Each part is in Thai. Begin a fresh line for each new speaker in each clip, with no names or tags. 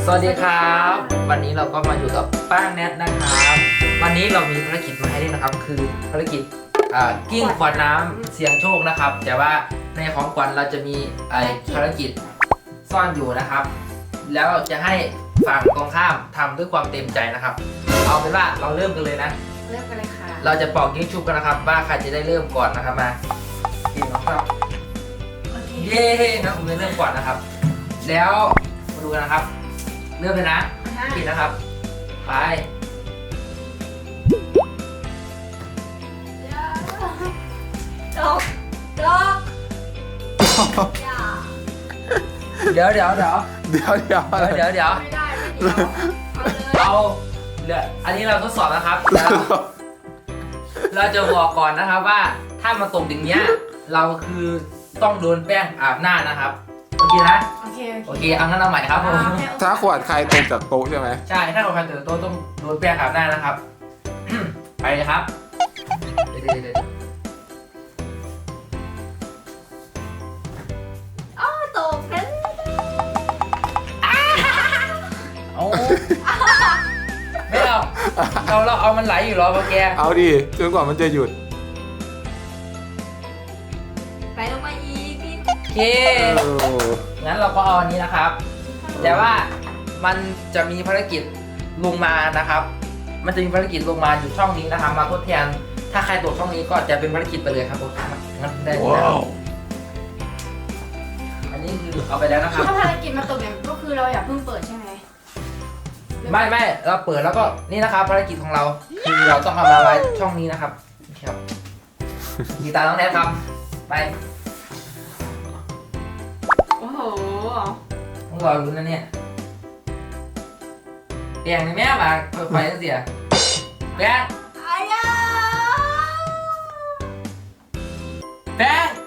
สวัสดีครับวันนี้เราก็มาอยู่กับป้าแนทนะครับวันนี้เรามีภารกิจมาให้เล่นนะครับคือภารกิจกิ้งขวดน้ำเสี่ยงโชคนะครับแต่ว่าในของขวัญเราจะมีภารกิจซ่อนอยู่นะครับแล้วจะให้ฝั่งตรงข้ามทำด้วยความเต็มใจนะครับเอาเป็นว่าเราเริ่มกันเลยนะ
เริ่มกันเลยค่ะ
เราจะปอกยิงชุบกันนะครับว่าใครจะได้เริ่มก่อนนะครับมากินนะครับเย้นะผมจะเริ่มก่อนนะครับแล้วมาดูกันนะครับเริ่มเลยนะปิดนะครับไป
ดอก
เดี๋ยว
ไม่ได้ไม่เดียว
เอาเดี๋ยวอันนี้เราทดสอบนะครับแล้วเราจะบอกก่อนนะครับว่าถ้ามาตกอย่างเงี้ยเราคือต้องโดนแป้งอาบหน้านะครับโอเคนะโอเคเอางั้นเอาใหม่ครับผม
ถ้าขวดใครตกจากโต๊ะใช่ไหม
ใช่ถ้าเราใครตื่นโต๊ะต้องโดนแป้งอาบหน้านะครับ ไปเลยครับเดี๋ยว
อ้าวตกกัน
เอาไม่เอาเราเอามันไหลอยู่หรอพ่อแก
เอาดิจนกว่ามันจะหยุด
ไปลงมาอีกพี่
โอเคงั้นเราก็เอาอันนี้นะครับแต่ว่ามันจะมีภารกิจลงมานะครับมันจะมีภารกิจลงมาอยู่ช่องนี้นะครับมาทดแทนถ้าใครตกช่องนี้ก็จะเป็นภารกิจไปเลยครับผมงั้นได้แล้วอันนี้คือเอาไปแล้วนะครับ
ถ้าภารกิจมาตกอย่างก็คือเราอย่าเพิ่งเปิดใช่ไหม
ไม่เราเปิดแล้วก็นี่นะครับภารกิจของเราคือเราต้องเอามาไว้ช่องนี้นะครับครับกีตาร์น้องแนทครับไป
โอ้โห
ต้องรอรุ้นนะเนี่ยเปลี่ยนในแม่มาเปิดไฟเสียแป้ง
อายา
แป้ง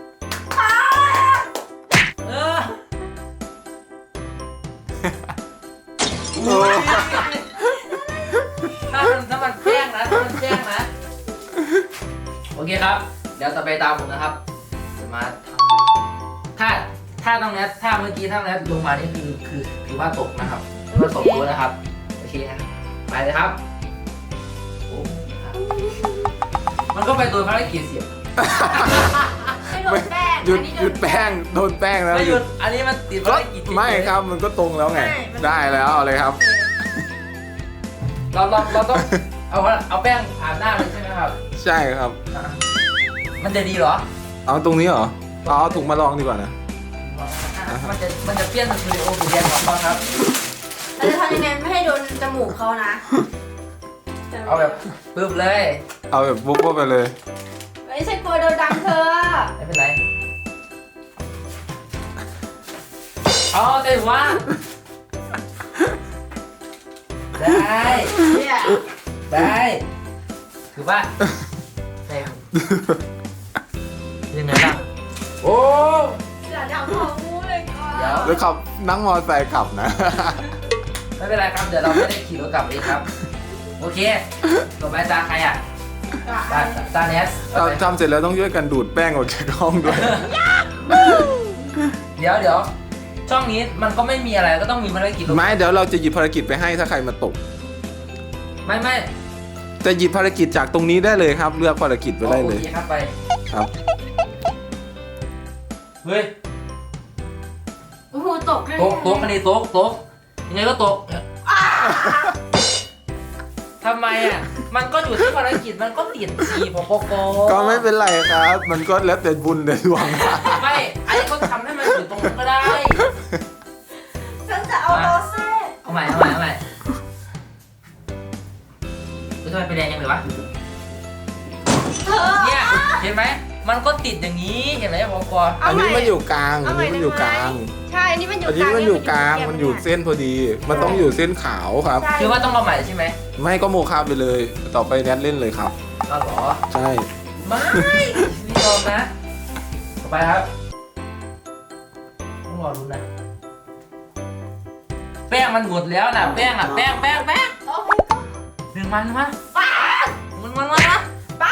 ถ้ามันแป้งนะโอเคครับเดี๋ยวต่อไปตามผมนะครับจะมาทำถ้าตรงนี้ถ้าเมื่อกี้ถ้าตรงนี้ลงมานี่คือถือว่าตกนะครับถือว่าตกตัวนะครับโอเคนะไปเลยครับมันก็ไปโดนภารกิจเสีย
ไม่โดนแป้ง
หยุดแป้งโดนแป้งแล้ว
ไม่หยุดอันนี้มันติดภารกิจ
ไม่ครับมันก็ตรงแล้วไงได้แล้วเอาเลยครับ
เราต้องเอาแป้งอาบหน้าเลยใช่ไหมครับ
ใช่ครับ
มันจะดีเหรอ
เอาตรงนี้เหรอเอาถุงมาลองดีกว่านะ
มันจะเปรี้ยนสตูดิโอหรือเรียนของเขาครับ
เราจะทำยังไงไม่ให้โดนจมูกเขานะ
เอาแบบปึ๊บเลย
เอาแบบบุ๊บไปเลย
ไม่ใช่กลัวโดนดังเธอ
ไม่เป็นไรเอาแต่ว่าได้ถือว่าแรงยังไงล่ะโอ้
อย่าดังของมูเลยก่อน
แล้วขับนั่งมอเตอร์ไซค์ขับนะ
ไม่เป็นไรครับเดี๋ยวเราไม่ได้ขี่รถกลับเองครับโอเคต่อไปตาใครอ่ะตาเนส
ทำเสร็จแล้วต้องช่วยกันดูดแป้งออกจากห้องด้วย
เดี๋ยวช่องนี้มันก็ไม่มีอะไรก็ต้องมีภารกิจ
ไม่เดี๋ยวเราจะหยิบภารกิจไปให้ถ้าใครมาตก
ไม่
จะหยิบภารกิจจากตรงนี้ได้เลยครับเลือกภารกิจไปได้เลย
ครับไป
ครับ
เฮ้ย
โอ้โหตกเลย
ตกอันนี้ตกยังไงก็ตกทำไมอ่ะมันก็อยู่ที่ภารกิจมันก็ติดสีพก
ก็ไม่เป็นไรครับมันก็แล้วแต่บุญแต่ดวง
ไม่ไอ้ก็ทำให้มันอยู่ตรงนั้นก็ได้
ฉันจะเอาโรเซ่
เอาใหม่ทำไมไปแดงยังเลยวะเนี่ยเห็นไหมมันก็ติดอย่างนี้เห็นไหมพก
อันนี้มันอยู่กลาง
ใช่อันนี้มันอยู่
กลางมันอยู่เส้นพอดีมันต้องอยู่เส้นขาวครับ
คือว่าต้องมาใหม่ใช่ไหม
ไม่ก็โมฆะไปเลยต่อไปแนทเล่นเลยครับ
อ๋อเหรอ
ใช่
ไม่ยอมนะต่อไปครับต้องรอรุ้นนะแป้งมันหมดแล้วนะแป้งดึงมันมา
ป้า
มัน
ป้า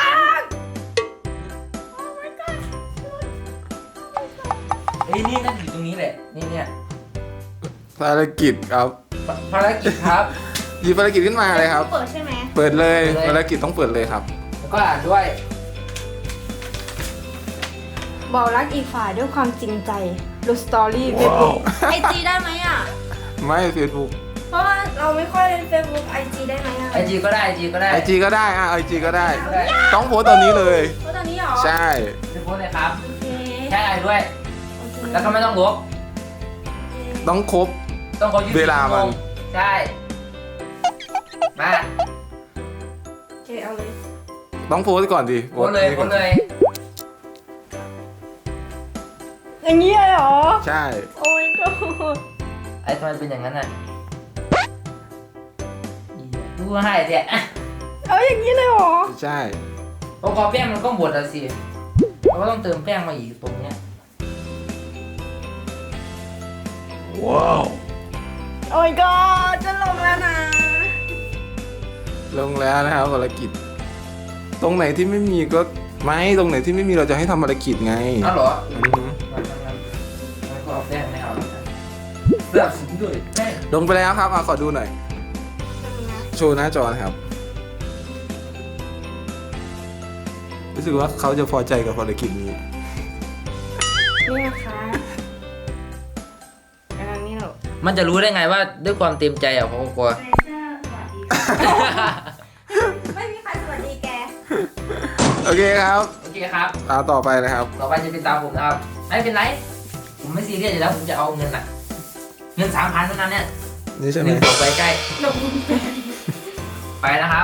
เฮ้ยนี่นั่นอยู่ตรงนี้แหละนี่เนี่ย
ภารกิจครับ
ภารกิจครับ
หยิบภารกิจขึ้นมาเลยครับ
เปิดใช่ไหม
เปิดเลย
เปิดเลย
ภารกิจต้องเปิดเลยครับ
แล้วก็อ่านด้วย
บอกรักอีกฝ่ายด้วยความจริงใจดูสตอรี่เฟซบุ๊ก
ไอจีได้ไหมอ่ะ
ไม่เฟซบุ๊ก
เพราะว่าเราไม่ค่อยเล่นเฟซบุ๊กไอจีได้ไหมอ่ะ
ไอจีก็ได้ไอจีก็ได้
ไอจีก็ได้ไอจีก็ได้
ได้
ต้องโพสต์ตอนนี้เลย
เพราะตอนนี้เหรอ
ใช่
ไปโพสต์เลยครับ
โอเค
แค่ไอด้วย
โอเค
แล้วก็ไม่ต้องลบ
ต้องครบ
ต้องเขายื
เวลามัน
ใช่ มา
โอเคเอาเลย
ต้องโพสต์ก่อนดิ
โพสต์เลยโพสต์เลย
อย่างนี้เลยเหรอ
ใช่
โอ้ยก็
ไอ้ทำไมเป็นอย่างนั้นอ่ะดูให้เดี๋ยว
เอาอย่างนี้เลยเหรอ
ใช่
พอแป้งมันก็หมดแล้วสิเราก็ต้องเติมแป้งมาอีกตรงเนี้ย
ว้าว
โอ้ยก็จะลงแล้วนะ
ลงแล้วนะครับภารกิจ ตรงไหนที่ไม่มีก็ไม่ตรงไหนที่ไม่มีเราจะให้ทำภารกิจไง
อ้าวเหรอ
อือฮึ
งั้นก็เอาแป้งไม่เอาแล้วกันเลือกสีด้วยแป้ง
ลงไปแล้วครับขอดูหน่อย โชว์หน้าจอนะครับ รู้สึกว่าเขาจะพอใจกับภารกิจนี้
นี่นะคะอันนี้เหรอ
มันจะรู้ได้ไงว่าด้วยความเต็มใจอ่ะเขาก็กลัว
เฟเซอร์สวัสดีไม่มีใครสวัสดีแก
โอเคครับ
โอเคครับ
ตามต่อไปนะครับ
ต่อไปจะเป็นตามผมนะครับ ไม่เป็นไร ผมไม่ซีเรียสอยู่แล้ว ผมจะเอาเงินน่ะ เงิน3,000เท่านั้นเนี่ย
นี่ใช่ไหม
หนึ่งต่อไปใกล้ ไปนะครับ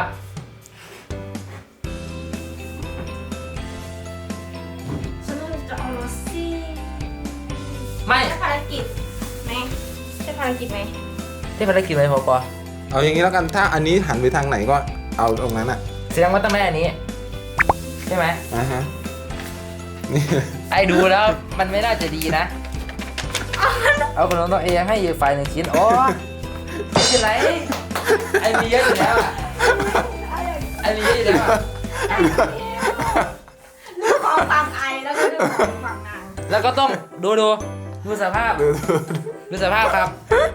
ฉันจะเอาโรซี่
ไม่
ใช่ภารกิจไหม
ใช่ภารกิจไหม
ที่ภารกิจอะไรพอปอ
เอาอย่างนี้แล้วกัน ถ้าอันนี้หันไปทางไหนก็เอาตรงนั้นอ่ะ
แสดงว่าต้องไม่อันนี้ ใช่ไหม
อ่าฮะ นี่
ไอ้ดูแล้วมันไม่น่าจะดีนะ เอาขนมตัวเองให้อยู่ฝ่ายหนึ่งชิ้นโอ้ไม่เป็นไร ไอ้มีเยอะอยู่แล้วอะไอ้มีเยอะอยู่แล้วอะ
เรื่องของฝั่งไอแล้วก็เรื่องของฝั่งนาง
แล้วก็ต้องดูสภาพ ดูสภาพครับ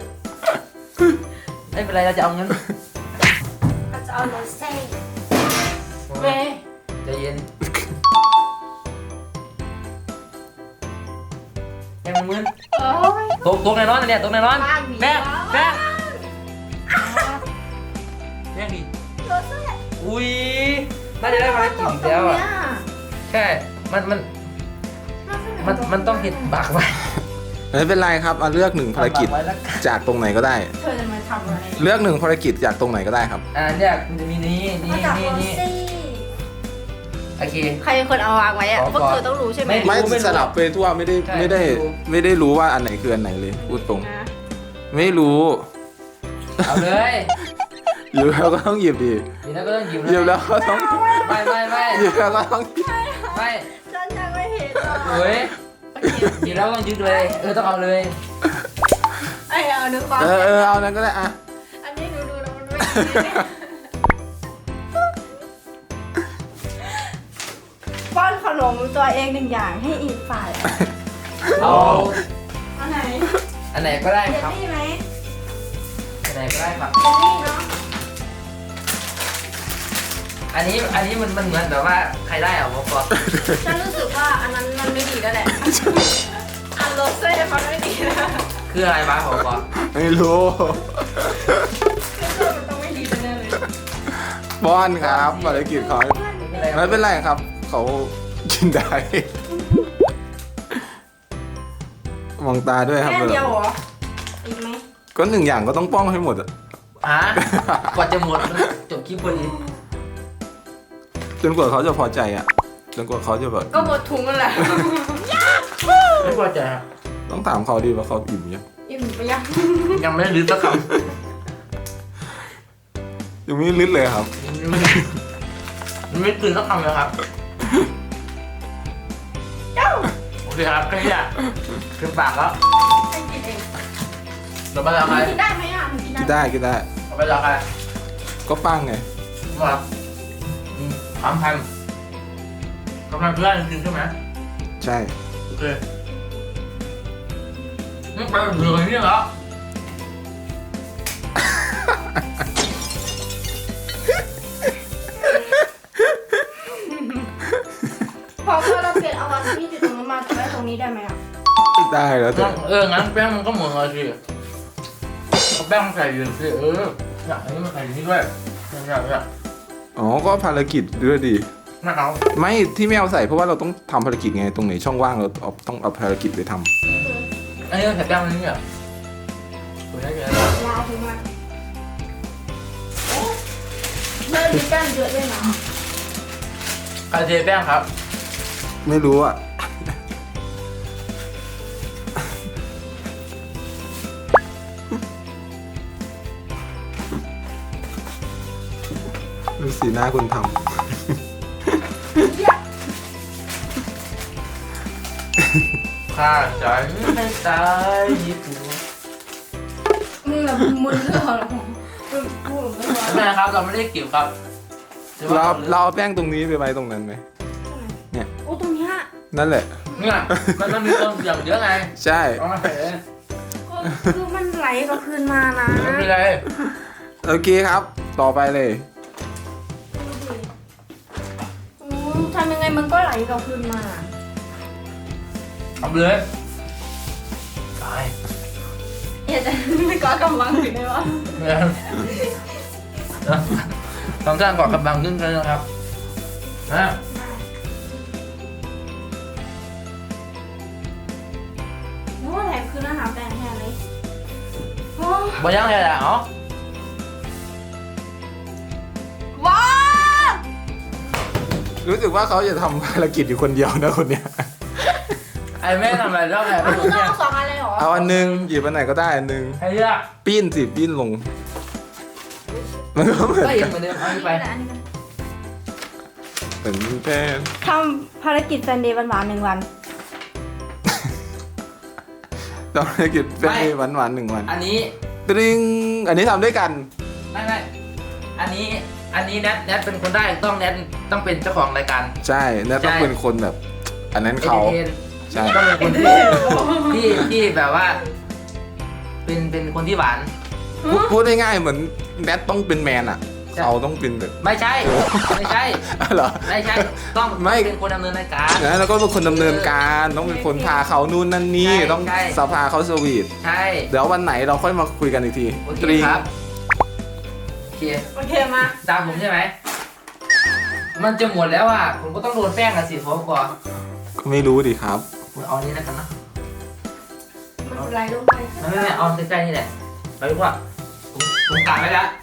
ไม่เป็นไรเราจะเอาเงิน
ก็จะเอาโรเซ่
เว้ยใจเย็นยังมึน
โอ้ย
ตกในร้อนเนี่ยตกในร้อน
บ้านมี
แป้ง
บ้าน
แป้งแป้งดิ
โรเซ่
อุ้ยน่าจะได้ภารกิจอีกแล้วอ่ะใช่มันต้องเห็นบักไว้
ไม่เป็นไรครับเอาเลือกหนึ่งภารกิจ
บัไว้แล้วกัน
จากตรงไหนก็ได้
เธอจะมาทำอะไร
เลือกหนึ่งภารกิจจากตรงไหนก็ได้ครับ
เนี่ยมันจะมีนี่
มาจากโร
นี่
ซี่
โอเค
ใครเป็นคนเอาวางไว้อะ
ขอ
พวกเธอต้องรู้ใช่ไหม
ไม่
ไม่
รู้
สลับไปทั่วไม่ได้
ใช่
ไม่ได้
ไม่รู้
ไม่ได้รู้ว่าอันไหนคืออันไหนเลยพูดตรง
นะ
ไม่รู้
เอาเลย
หยิบแล้วก็ต้องหยิบดิ
มีแล้วก็ต้องหยิบ
หยิบแล้วก็ต้อง
ไม่
หยิบแล้วก็ต้องหยิบ
ไม่
ฉันยังไม่เห็นหรอก
โอ้ยหยิบแล้วต้องยึดเลยต้องเอาเลย
ไอ้เอาดูความ
เอานั้นก็ได้อะ
อันนี้ดูแล้วมันไม่ดี
ป้อนขนมตัวเองหนึ่งอย่างให้อีกฝ่ายอะ
เอา
อันไหน
อันไหนก็ได้
เยล
ครับ
ลี่ไหม
อันไหนก็ได้ครับ
เยลลี่เนาะ
อันนี้มันเหมือนแบบว่าใครได้อะผมก็
ฉันรู้สึกว่าอันนั้นมันไม่ดีแล้วแหละ อันโรเซ่มันไม่ดีแล้ว
คืออะไรบ้างผมก็
ไม่รู้
คือมันต้องไม่ดีแน่เลย
ป้อนครับภารกิจเขาไม่เป็นไรครับ เขากินได้ มองตาด้วยครับ
แค่เดียวเหรออีกไหม
ก็หนึ่งอย่างก็ต้องป้องให้หมดอะ
ฮะกว่าจะหมดมันจบคลิปพอดี
จนกว่าเขาจะพอใจอะจนกว่าเขาจะแบบ
ก็หมดถุงนั่นแหละ
ไม่พอใจครับ
ต้องถามเขาดีว่าเขาอิ่มยัง
อิ่มไปยัง
ยังไม่ได้รื้อสักค
ยังไม่ลึดเลยครับ
ำมันไม่ตื่นสักคำเลยครับโอเคครับแค่นี้อะถึงปากแล้ว
ให้กินเอง
เดี๋ยวไปแล้วใคร
กินได้ไหมอ่ะมันกิน
กิน
ได้
ได้กินได้
เดี๋ยวไปแล้วใคร
ก็ป้างไง
มา3,000เพื่อนจริงใช่ไหม
ใช่
โอเคไปเหลืออย่างนี้เหรอ
พอเราเปลี่ยนเอาอันที่อยู่ตรงนู้นมาไว้ตรงนี้ได้ไหมอ่ะ
ได้แล้วแต่
งั้นแป้งมันก็เหมือนกันสิเอาแป้งใส่อยู่สิอยากให้มันใส่นี่ด้วยอยาก
อ๋อก็ภารกิจด้วยดิ
น่าเอา
ไม่ที่ไม่เอาใส่เพราะว่าเราต้องทำภารกิจไงตรงไหนช่องว่างเราต้องเอาภารกิจไปทำ
อันนี้ใส่แป้งอันนี้อ่ะคุณได้ไง
ยาวถึงมาเริ่มมีแป้งเยอะด้วยนะ
ใครเทแป้งครับ
ไม่รู้อ่ะ ดูสีหน้าคนท
ข้าใจไม่ตายญี่ปุ่น
มึงแบบมึนเรื่องอะไรของมึงพูดไม่พอ
ไม่นะครับเราไม่ได้เก็บครับ
ำเราเอาแป้งตรงนี้ไปไว้ตรงนั้นไหม
โอ้ตรงเนี้ย
นั่นแหละ
เนี่ยมันมีคนอย่างเยอะไง
ใช่
เอามาใส่เลย
ก็คือมันไหลกลับคืนมานะ
ไม่เป็นไร
โอเคครับ ต่อไปเลย
ทำยังไงมันก็ไหลกลับคืนมา
เอาเลยตาย
อย่าจะไม่ก้อกำลังถึงได้วะ
เนี่ยต้องสร้างเกาะกำบังขึ้นกันนะครับนะ
โอ้แถมคืนอาหารแปลงแทนเลยโอ้
บ่ยังไงล่ะอ๋อ
ว้า
รู้สึกว่าเขาจะทำภารกิจอยู่คนเดียวนะคนเนี้ย
ไอ้แม่ทำอะไรชอบแอบ
มัน
ดู
คือต้อ
เนี่
ง
ย
เอาสองอันเลยเหรอ
เอาอันหนึงหยิบอันไหนก็ได้อันหนึง
ไอ้เหี้ย
ปิ้นสิปิ้นลง มันก็เหมือน
ก็
กั
ยั
น
งเหมือนเดิมเอาไป
เป็นแป้
ทำภารกิจซันเดย์หวานๆ1 วัน
ต้องภารกิจแป้งหวานๆ1 วัน
อันนี้
ตริงอันนี้ทำด้วยกัน
ไม่อันนี้แนทเป็นคนได้แนทต้องเป็นเจ้าของรายการ
ใช่แล้วต้อง
ใช่
เป็นคนแบบ อันนั้นเขา
เอน
ใช่
ต้องเป็นคนที่แบบว่า เป็นคนที่หวาน
พูดง่ายๆเหมือนแนทต้องเป็นแมนอ่ะ
ใช่
เขาต้องเป็นแบบ
ไม่ใช่
เหรอ
ไม่ใช่ต้อง
ไม่
เป็นคนดำเนินรายการ
นะแล้วก็เป็นคนดำเนินการต้องเป็นคนพาเขานู่นนั่นนี่
ใช่
ต้อง
ใช่
สภาเขาสวีท
ใช่
เดี๋ยววันไหนเราค่อยมาคุยกันอีกที
โอเค
ตริง
ครับโอเค
โอเคมา
ตามผมใช่ไหมมันจะหมดแล้วอ่ะผมก็ต้องโดนแป้งกันสิผมก่อน
ก็ไม่รู้ดิครับ
คุณเอานี้แล้วกันนะ
มันไหลลงไป
ไม่เอาใกล้ๆนี่แหละไปดีกว่าผมกะไว้แล้ว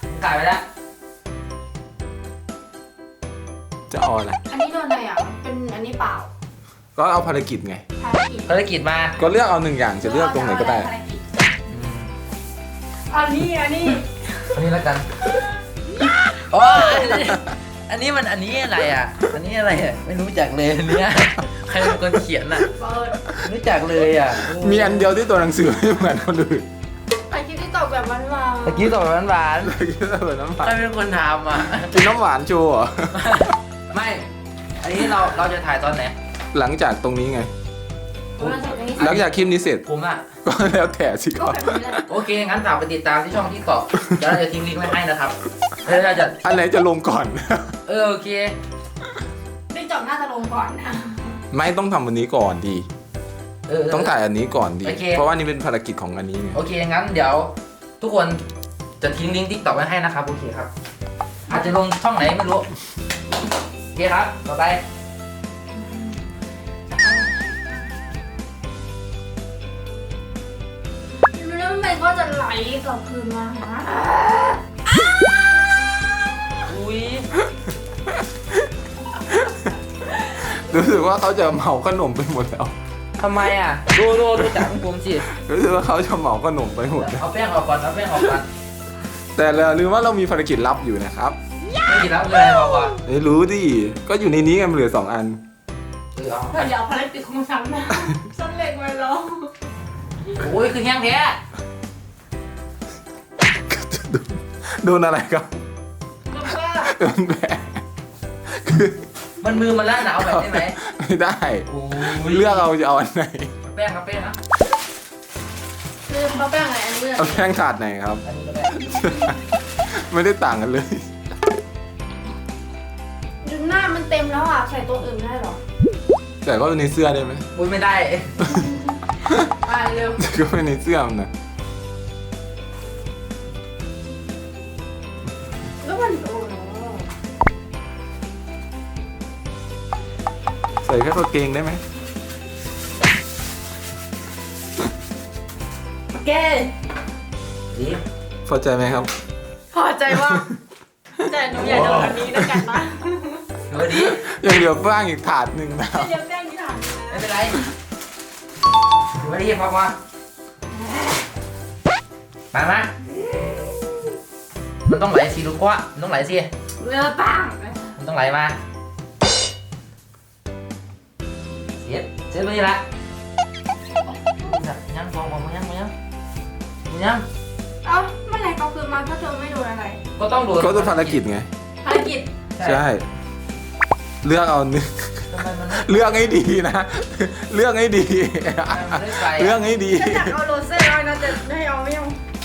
จะเอาอะไร
อันนี้โดนอะไรอ่ะเป็นอันนี้เปล่า
ก็เอาภารกิจไง
ภารกิจ
ภารกิจมา
ก็เลือกเอา1 อย่างจะเลือกตรงไหนก็ได้
ภารกิจอันนี้
อันนี้แล้วกันโอ้ยอันนี้อะไรอ่ะ อันนี้อะไรอ่ะไม่รู้จักเลยอันเนี้ยใครเป็นคนเขียนอ่ะ
เปิด
ไม่รู้จักเลยอ่ะ
มีอันเดียวที่ตัวหนังสือไม่เหมือนคนอื่น
ถ่ายคลิปที่ตอบแบบหวานๆ
ตะกี้ตอบหวาน
เมื่อกี้เราเหมือนน้ำห
ๆ
วา
ใคร
น
เป็นคนทำอ่ะ
กินน้ำหวานโชว์เหรอ
ไม่ อันนี้เราจะถ่ายตอนไหน
หลังจากตรงนี้ไง
มาจากนี้
หลังจากคลิปนี้เสร็จ
ผมอ่ะ
ก็แล้วแต่สิ
ก็
ครับ
แบบนี้แหละ
โอเค งั้นฝากไปติดตามที่ช่องที่เกาะเดี๋ยวเราจะทิ้งลิงก์ไว้ให้นะครับแล้วเราจะ
อันไหนจะลงก่อน
โอเค
ไม่จบน่าจะลงก่อนนะ
ไม่ต้องทำวันนี้ก่อนดี ต้องถ่ายอันนี้ก่อนดี
โอเค
เพราะว่านี่เป็นภารกิจของอันนี้ไง
โอเค งั้นเดี๋ยวทุกคนจะทิ้งลิงก์ทิกตอกไว้ให้นะครับ โอเคครับ อาจจะลงช่องไหนไม่รู้ โอเคครับ ต่อไป
แล้วมันก็จะไหลกลับคืนมาหา
อุ้ย
รู้สึกว่าเขาจะเหมาขนมไปหมดแล้ว
ทำไมอ่ะ ดูจากผมสิ
รู้สึกว่าเขาจะเหมาขนมไปหมดแล้ว
เอาแป้งออกก่อน เอาแป้งออกก่อน
แต่เราลืมว่าเรามีภารกิจลับอยู่นะครับ
ไม่กินแล้วคืออะไรบอกก่อน
ไม่รู้ดิ ก็อยู่ในนี้ไงมันเหลือ2 อัน
เอา
เดี๋ยวภารกิจของฉันนะฉันเล็งไว้แล้ว
โอ้ยคือแห้งแท้
โดนอะไรครับ
แล้วก็
โดนแผลคือ
มันมือมันล่าหนาวแบบได้ไหม
ไม่ได้
โอ้ย
เลือกเอาจะเอาอันไหน
แป้งครับแป้งนะ
ลืมเขาแป้งอะไรอันนี้เลย
เอาแป้งถาดไหนครับ
อันนี้ก็ได้
ไม่ได้ต่างกันเลย
ดูหน้ามันเต็มแล้วอ่ะ ใส่ตัวอื่นได้หรอ
แต่ก็ในเสื้อได้ไหม
อุ้ยไม่ได้
มาเร็ว
ก็ไม่ในเสื้อมันนะ
แล้วมันโอ้โห
ใส่แค่กางเกงได้ไหม
โอเค
ดี
พอใจไหมครับ
พอใจว่าแต่หนูอยากโดนอันนี้แล้วกันนะ
ถือว่าดี
ยังเหลือบ้างอีกถาดหนึ่งนะครับ
เดี๋ยวแป้งที่ถาม
ไม่เป็นไรถือว่าดีพอมามันต้องไหลสิลูกว่ามันต้องไหลสิ
เรือปัง
มันต้องไหลมาเสร็จไปนี่ละยังฟองมายัง
เอ้าเมื่อไหร่เขาคืนมาถ้าเธอไม่โดนอะไร
ก็ต้องดู
ก็ต้องภารกิจไง
ภารกิจ
ใช่ เลือกเอาหนึ่ง
ทำไมมันไม่
เลือกให้ดีนะ เลือกให้ดี
มันไม่ไป
เลือกให้ดี
ฉันอยากเอาโรเซ่ร้อยนะแต่ไม่เอาไม่เอา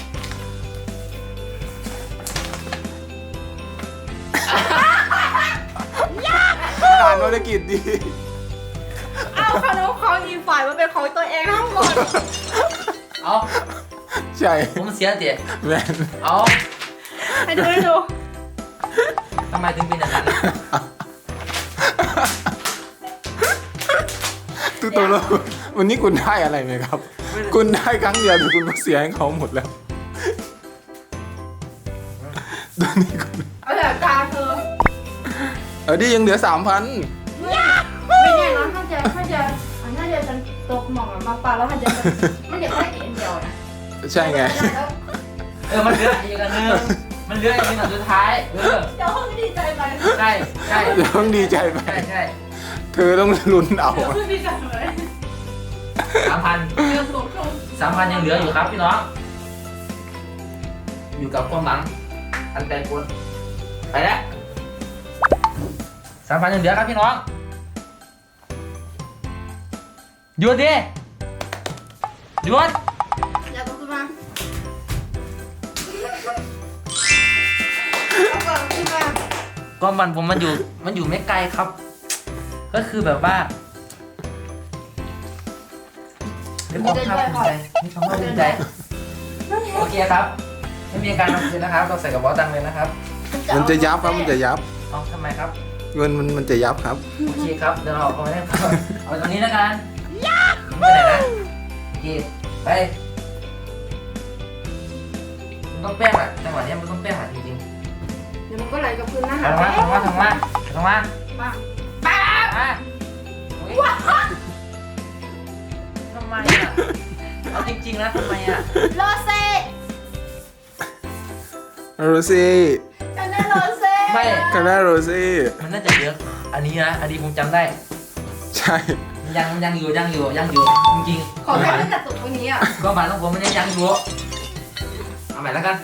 อ่านภารกิจดี
เอาขนมของอีกฝ่ายมันเป็นของตัวเองทั้งหมด
เอา
ใช่
ผมเสียเตี๋ย
แม่น
เอา
ให้ดูให้ดู
ทำไมถึงเป็นอย่างนั้น
ตุ๊กตาแล้ววันนี้คุณได้อะไรไหมครับ คุณได้ครั้งเดียวแต่คุณก็เสียให้เขาหมดแล้วตอนนี้คุณ
เอาแต่ตาเธอ
ดิยังเหลือ 3,000
ไม่แน่นะถ้าจะฉันตกหมองมาปลาแล้วถ้าจะมันเดี๋ยวแค่กินเดียวนะ
ใช่ไง
มันเหลืออีกอันนึงมันเหลืออีกอันสุดท้าย
เดี๋ยวเขาไม่ดีใจไป
ใช่
เดี๋ยวต้องดีใจไป
ใช่
เธอต้องลุ้นเอา
เดี๋ยวขึ้นดีใจเลย
3,000
เรือสูงขึ้น
3,000ยังเหลืออยู่ครับพี่น้อง อยู่กับความหวังอันแต่ควรไปแล้ว 3,000ยังเหลือครับพี่น้องหยุดดิหยุด
แล้วก็ขึ้นมาเอาก่อนขึ้นมา
ก็มันอยู่ไม่ไกลครับ ก็คือแบบว่ามีความภาคภูมิใจมีความภาคภูมิใจโอเคครับไม่มีการทำคืนนะครับเราใส่กระเป๋าตังค์เลยนะครับ
มันจะยับครับ มันจะยับ
เอาทำไมครับ
เงินมันจะยับครับ
โอเคครับเดี๋ยวเราเอาไว้ได้ครับเอาตรงนี้แล้วกันไปไหนนะโอเคไปมันต้องแป้งแหละจังหวะนี้มันต้องแป้งแหละจริง
เดี๋ยวมันก็ไหลกับพื้นนะ
ๆ
คะ
ทำมา
บ้าง
มาทำไมอ่ะเอาจริงๆนะทำไมอ่ะ
โรเซ่
โรซี่
กันได้โรเซ่
ไม่
คาราโรซี่
มันน่าจะเยอะอันนี้นะอันนี้ผมจำได้
ใช่
ยังอยู่จริงๆ
ขอแค่ตั้งแต่สุดตรงนี้อ่ะ
ก็หมายของผมมันยังอยู่เอาใหม่แล้วกัน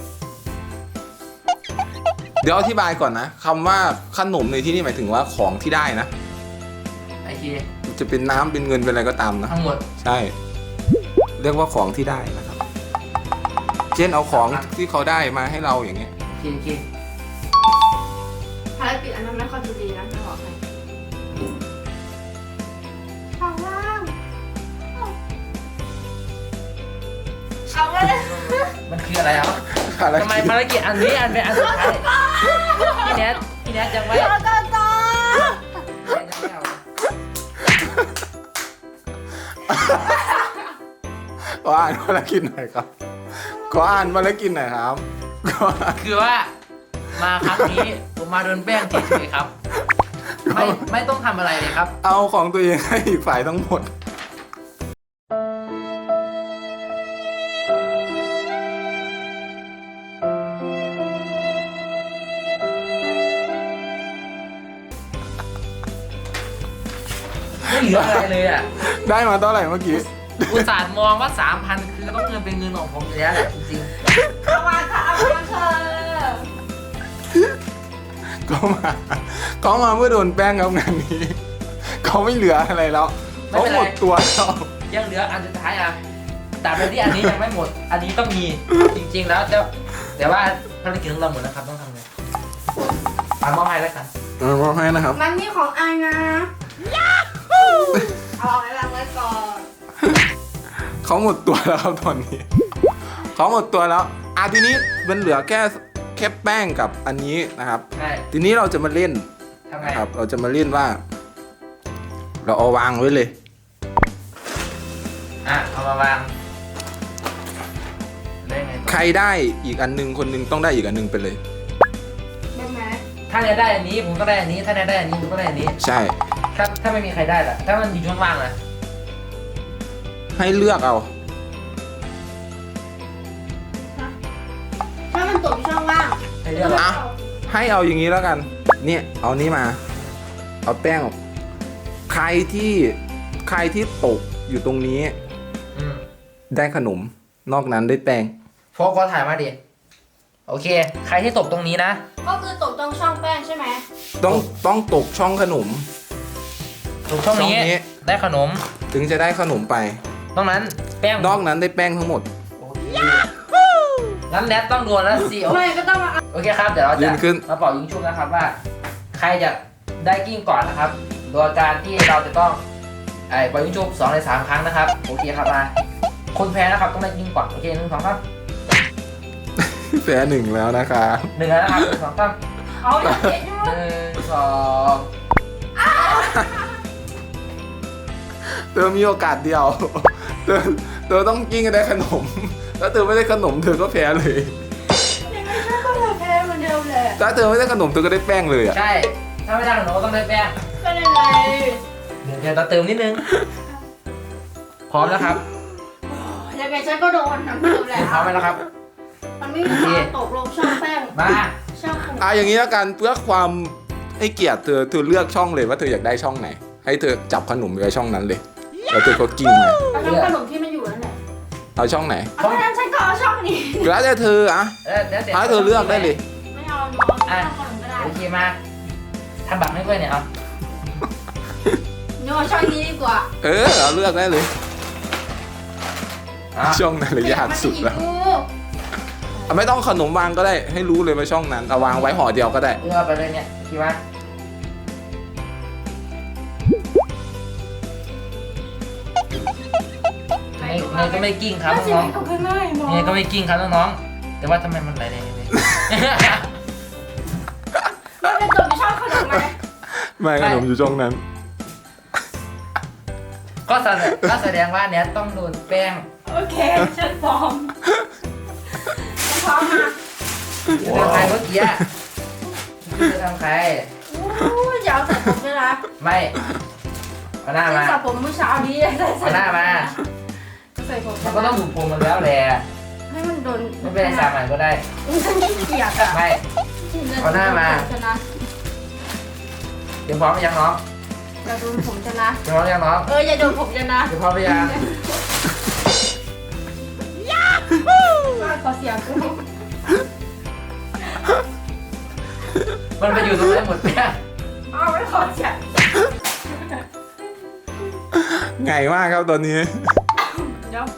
เดี๋ยวอธิบายก่อนนะคำว่าขนมในที่นี่หมายถึงว่าของที่ได้นะ
โอเค
จะเป็นน้ำเป็นเงินเป็นอะไรก็ตามนะ
ทั้งหมด
ใช่ เรียกว่าของที่ได้นะครับ เช่นเอาของที่เขาได้มาให้เราอย่างเงี้ย
โอเค
ภารกิจอันนั้นไม่ค่อยจะดีนะจะบอกให้ข้างล่างเอาไว้เลย
มันคืออะไรครับ
ภาร
ทำไม
กิจ
ภารกิจอันนี้อันเป็นอันสุดท้ายพี่แนทยังไม่
ต่อ
ยังไม่เอา
ขออ่านภารกิจหน่อยครับขออ่านภารกิจหน่อยครับขออ่าน
คือว่ามาครั้งนี้ผมมาโดนแป้งเฉยๆครับ ไม่ต้องทำอะไรเลยครับ
เอาของตัวเองให้อีกฝ่ายทั้งหมด
ไม่เหลืออะไรเลยอ่ะ
ได้มาเท่าไหร่เมื่อกี้
อุตส่าห์มองว่า 3,000 คือต้องเงินเป็นเงินของผมอยู่แล้วแหละจริง
เอามาค่ะเอามาเธอ
เขามาเมื่อโดนแป้งครับงานนี้เขาไม่เหลืออะไรแล้วเขาหมดตัวแล้ว
ๆยังเหลืออันสุดท้ายอ่ะตราบใดที่อันนี้ยังไม่หมด อันนี้ต้องมีจริงๆแล้วแต่ว่าภารกิจของเราหมดแล้วครับต้องทำไงมอบให้แล้วกัน
มอบให้นะครับ
มันนี่ของไอนะเอาไว้วางไว้ก่อน
เขาหมดตัวแล้วครับตอนนี้เขาหมดตัวแล้วทีนี้มันเหลือแค่แป้งกับอันนี้นะครับ
ใช่
ทีนี้เราจะมาเล่น
ทำไง
นะครับ เราจะมาเล่นว่า เราเอาวางไว้เลย
เอามาวางได้ไงต่อ
ใครได้อีกอันหนึงคนหนึงต้องได้อีกอันหนึงไปเลย
ได้ไหม
ถ้าได้อันนี้ผมก็ได้อันนี้ถ้าได้อันนี้ผมก็ได้อันนี้
ใช่
ถ้าไม่มีใครได้ล่ะถ้ามันอยู่ช่วงล่างล่ะ
ให้เลือกเอา
ถ้ามันตกช่องว่าง
ให้เลือกเอา
ให้เอาอย่างนี้แล้วกัน เนี่ยเอานี้มา เอาแป้งออกใครที่ตกอยู่ตรงนี้
อืม
ได้ขนม นอกนั้นได้แป้ง
โฟกัสถ่ายมาดิโอเค ใครที่ตกตรงนี้นะ
ก็คือตกตรงช่องแป้งใช่ไหม
ต้องตกช่องขนม
ตกช่องนี้
ช่องนี้
ได้ขนม
ถึงจะได้ขนมไป
ตรงนั้นแป้ง
นอกนั้นได้แป้งทั้งหมด
โอเคงั้นแนทต้องโดนแล้วสิ
ไม่ก็ต้องมา
โอเคครับเดี๋ยวเรา
ยื
จะ
นขึ้น
มาเป่ายิงชุบนะครับว่า ใครจะได้กิ้งก่อนนะครับ โดยการที่เราจะต้องเป่ายิงชุบ2 ใน 3 ครั้งนะครับโอเคครับมาคนแพ้นะครับต้องได้กิ้งก่อนโอเค1 2 3
แพ้หนึ่งแล้วนะคะ
1แล้วนะครับ1 2 3
เอาอย่างเงี้ย
1 2
เธอมีโอกาสเดียว เธอต้องกิ้งให้ได้ขนม ถ้าเธอไม่ได้ขนมเธอก็แพ้เลย
ยังไงฉันก็จะแพ้เหมือนเดิมแหละ
ถ้าเธอไม่ได้ขนมเธอก็ได้แป้งเลยอ่ะ
ใช่ถ้าไม่ได้ขนมก็ต้องได้แป้ง
ก็ยังไง
เดี๋ยวเราเติมนิดนึงพร้อมแล้วครับ
ยังไงฉันก็โดนทั้งเดิมแหละ
พร้อมแล้วครับ
มันไม่มีทางตกลงช่องแป้ง
มา
ช่องขนม
อย่างนี้แล้วกันเพื่อความให้เกียรติเธอเลือกช่องเลยว่าเธออยากได้ช่องไหน ให้เธอจับขนมไว้ช่องนั้นเลย แล้วเธอก็กิ้งมา
เอาช่องขนมที่มันอยู่นั่นแหละ
เอาช่องไหน
เอาเพราะฉะนั้นฉันก็เอาช่องนี้
แล้วแต่เธออะ
แล้วแต่
ให้เธอเลือกได้เลย
ไม่เอาเนาะช่องขนมก็ได้
โอเคมาทำบัตรให้ด้วยเนี่ยเอา
เนาะช่องนี้ดีกว่า
เอาเลือกได้เลย
อ่ะ
ช่องนั้นเลยยากสุดแล้ว
มันจะหยิบกู
ไม่ต้องขนมวางก็ได้ ให้รู้เลยว่าช่องนั้นเอาวางไว้ห่อเดียวก็ได้
เลือกไปเลยเนี่ยคิดว่าเนยก็ไม่กิ้งครับ
น่าจะ
น้อง
ไม่ต้องง่ายๆ
ๆเนยก็ไม่กิ้งครับน้องๆแต่ว่าทำไมมันไหลๆเนี่ย
มันจะตกในช่องขนมไหม
ไม่ขนมอยู่ช่องนั้น
ก็แสดงว่าเนี่ยต้องโดนแป้ง
โอเคฉันพร้อมฉันพร้อมมา
จะทำใครเมื่อกี้จะทำใคร
อู้ยอย่าเอาใส่ผมด้วยนะ
ไม่เอาหน้า
ฉัน
มา
สระผมเมื่อเช้านี้ใส่
เอาหน้ามา
ใส่ผม
มันก็ต้องถูกผมมันแล้วแหละ
ให้มันโดน
ไม่เป็นไรสามใหม่ก็ได้
ฉันขี้เกียจอ่ะ
ไม่ เอาหน้ามา
ชนะ
เดี๋ยวพร้อมหรือยังน้อง
อย่าโดนผมชนะ
เดี๋ยวพร้อมหรือยังน้อง
อย่าโดนผมชนะ
เดี๋ยวพร้อมหรือยัง
ขอเสียงกู
มันไปอยู่ตรงไหนหมดเนี่ย
เอาไม่ขอเสียง
ไงมากครับตอนนี้
เดี๋ยว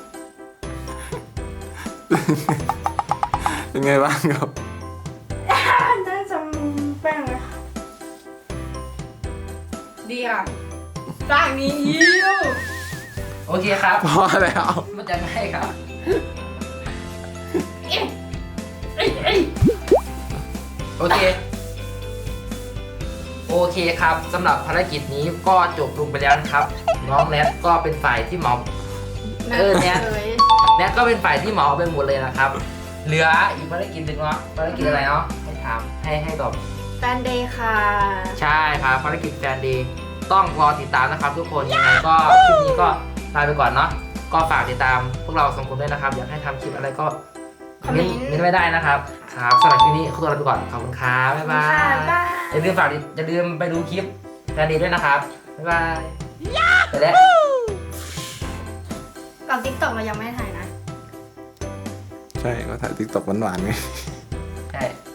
เป็นไงบ้างครับ
น่าจะแป้งเลยดีอ่ะสร้างนี้ยิ้ว
โอเคครับ
พอแล้ว
มันจะง่ายครับ
เอ๊ะเอ๊ะเอ๊ะ
โอเค โอเคครับสำหรับภารกิจนี้ก็จบลงไปแล้วนะครับ น้องแนทก็เป็นฝ่ายที่เหมาเนี่ยแนทก็เป็นฝ่ายที่เหมาไปหมดเลยนะครับ เหลืออีกภารกิจหนึ่งเนาะภารกิจอะไรเนาะให้ถามให้ตอบ
แฟนเดย์ค่ะ
ใช่ครับภารกิจแฟนเดย์ต้องรอติดตามนะครับทุกคนยังไงก็คลิปนี้ก็ลาไปก่อนเนาะก็ฝากติดตามพวกเราสองคนด้วยนะครับอยากให้ทำคลิปอะไรก็มิ้นไม่ได้นะครับครับสำหรับคลิปนี้ขอตัวลาไปก่อนขอบคุณครับบ๊ายบาย
บ๊ายบาย
อย่าลืมไปดูคลิปแฟนเดย์ด้วยนะครับบ๊ายบายไปแล้ว
ก่อนติ๊กต็อกเรายังไม่ได้ถ่ายนะ
ใช่ก็ถ่ายติ๊กต็อกหวานๆไง
ใช่